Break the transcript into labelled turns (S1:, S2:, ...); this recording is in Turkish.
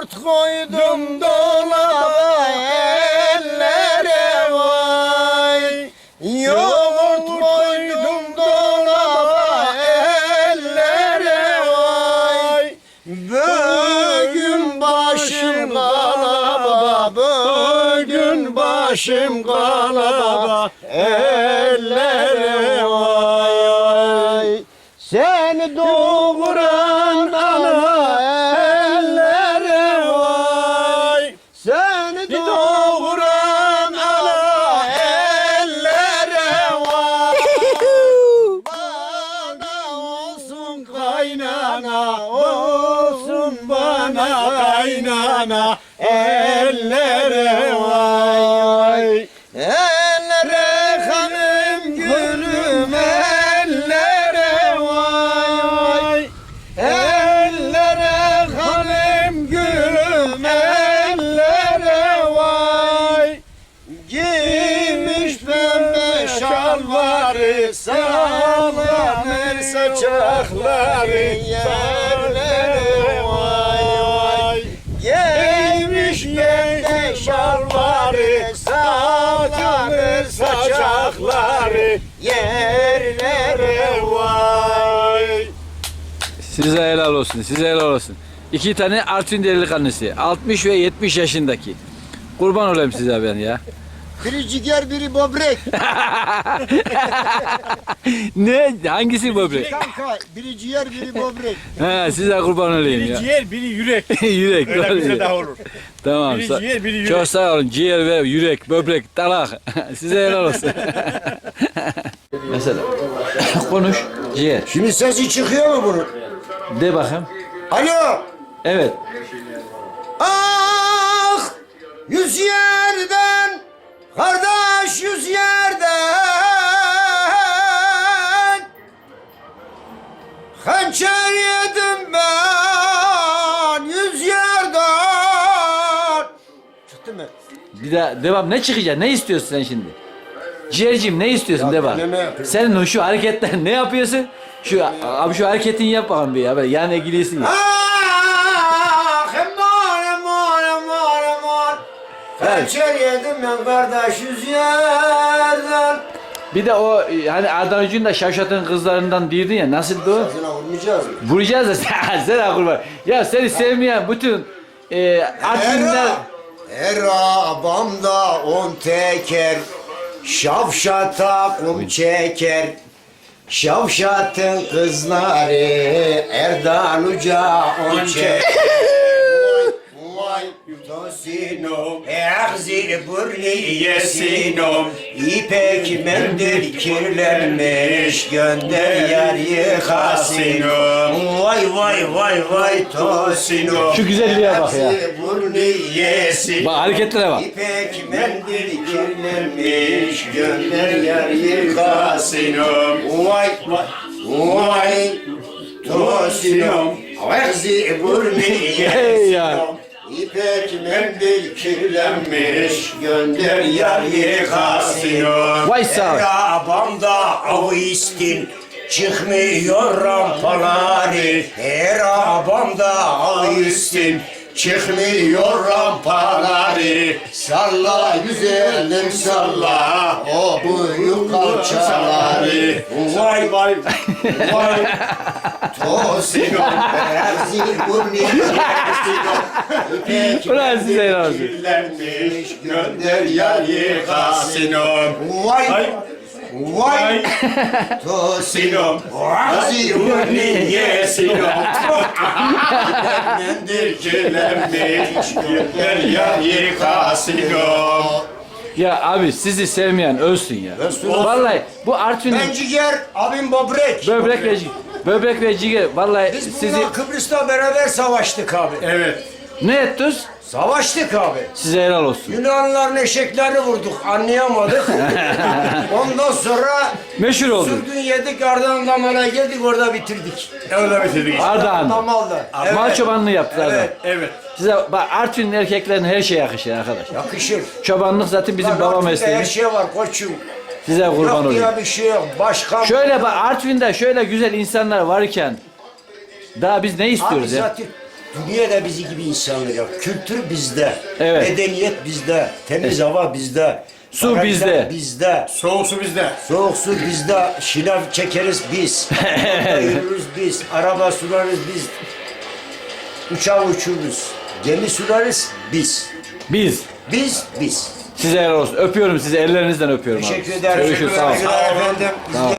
S1: Yoğurt koydum dolaba ellere vay. Yoğurt koydum dolaba ellere vay. Bugün başım galaba, bugün başım galaba ellere vay. Seni doğuran ana ellere vay. Seni doğuran ana ellere vay. Bana olsun kaynana, olsun bana kaynana ellere vay. Ellere hanım gülüm ellere vay. Ellere hanım gülüm ellere vay. Giymiş pembe şalvarı, sallanır saçakları yerlere vay. Giymiş pembe şalvarı, sallanır saçakları yerlere vay.
S2: Size helal olsun, size helal olsun. İki tane Artvin delikanlısı, 60 ve 70 yaşındaki. Kurban olayım size ben ya.
S1: Biri ciğer, biri böbrek.
S2: Ne? Hangisi böbrek?
S1: Kanka, biri ciğer, biri böbrek.
S2: He, size kurban olayım
S3: Biri
S2: ya.
S3: ciğer, biri yürek.
S2: Yürek.
S3: Öyle
S2: doğru
S3: bize
S2: diyor.
S3: daha olur.
S2: Tamam.
S3: Biri ciğer, biri yürek.
S2: Çok sağ olun. Ciğer ve yürek, böbrek, dalak. Size helal olsun. Mesela konuş ciğer.
S1: Şimdi sesi çıkıyor mu bunun?
S2: De bakayım.
S1: Alo.
S2: Evet.
S1: Ah! Yüz yerden, kardeş yüz yerden. Hançer yedim ben yüz yerden. Çıktı mı?
S2: Bir daha devam. Ne çıkacak? Ne istiyorsun sen şimdi? Ciğerciğim ne istiyorsun?
S1: Ya
S2: De bak.
S1: ben ne yapayım?
S2: Senin şu hareketler ne yapıyorsun? Abi şu hareketini yap bakalım bir ya. Böyle yan ilgilisin ya.
S1: Ah! Eman eman eman eman. Hançer yedim ben kardeş yüz yerden.
S2: Bir de o hani Ardahan Ucu'nun da Şavşat'ın kızlarından değildin ya. Nasıldı o?
S1: Ağzına vurmayacağız mı?
S2: Vuracağız da sen kurban. Ya seni sevmeyen bütün Artvinler...
S1: Her abamda on teker, Şavşata kum çeker. Şavşatın kızları Erdan Uca on çeker. Vay tosinom, ehzir burni yesinom. İpek mendil kirlenmiş, gönder yer yıkasınom. Vay vay vay vay tosinom.
S2: Şu güzelliğe bak ya.
S1: Ehzir burni yesinom.
S2: Bak hareketlere bak.
S1: İpek mendil kirlenmiş, gönder yer yıkasınom. Vay vay vay tosinom. Ehzir burni
S2: Hey ya.
S1: yesinom. İpek mendil kirlenmiş, gönder yar yıkasıyor.
S2: Vay sağ ol.
S1: Arabamda av istin, çıkmıyor rampaları. Her arabamda av istin, çıkmıyor rampaları. Salla güzelim salla, o büyük kalçaları. Vay vay vay. Tosino, Erzi burni
S2: Ulan size helal olsun.
S1: kirlenmiş, gönder yar yıkasınom. Vay vay Tosino, Erzi burni yesinom. Mendil kirlenmiş, gönder yar yıkasınom.
S2: Ya abi sizi sevmeyen ölsün ya.
S1: Ölsün, ölsün.
S2: Vallahi bu Artvin'in
S1: Ben ciğer, abim böbrek.
S2: böbrek ve ciğer vallahi
S1: Biz
S2: sizi
S1: bununla Kıbrıs'ta beraber savaştık abi.
S3: Evet.
S2: ne ettiniz?
S1: Savaştık abi.
S2: Size helal olsun.
S1: Yunanlıların eşeklerini vurduk, anlayamadık. Ondan sonra
S2: Meşhur oldu.
S1: sürgün yedik, Ardahan Damar'a geldik, orada bitirdik.
S3: Öyle bitirdik işte.
S2: Ardahan.
S1: Damal'da.
S2: Mal çobanlığı yaptılar da.
S1: Evet.
S3: Evet.
S2: Size bak Artvin'in erkeklerine her şey yakışır arkadaş.
S1: Yakışır.
S2: Çobanlık zaten bizim
S1: Lan
S2: baba
S1: Artvin'de
S2: mesleği.
S1: her şey var koçum.
S2: Size kurban
S1: Yok
S2: olayım.
S1: diye bir şey yok. Başkan.
S2: Şöyle bak Artvin'de şöyle güzel insanlar varken daha biz ne
S1: Abi
S2: istiyoruz ya?
S1: zaten Dünyada bizi gibi insanlar ya. Kültür bizde.
S2: Evet.
S1: Medeniyet bizde. Temiz hava bizde.
S2: Su
S1: barajlar
S2: bizde.
S1: Bizde.
S3: Soğuk su bizde.
S1: Soğuk su bizde. Şınav çekeriz biz. Motorla yürürüz biz. Araba süreriz biz. Uçağı uçururuz. Gemi süreriz biz.
S2: Biz.
S1: Biz.
S2: Size helal olsun. Öpüyorum sizi. Ellerinizden öpüyorum abi.
S1: Teşekkür ederim.
S2: Görüşürüz. Sağ olun.
S1: Teşekkür ederim efendim.
S2: Sağ ol.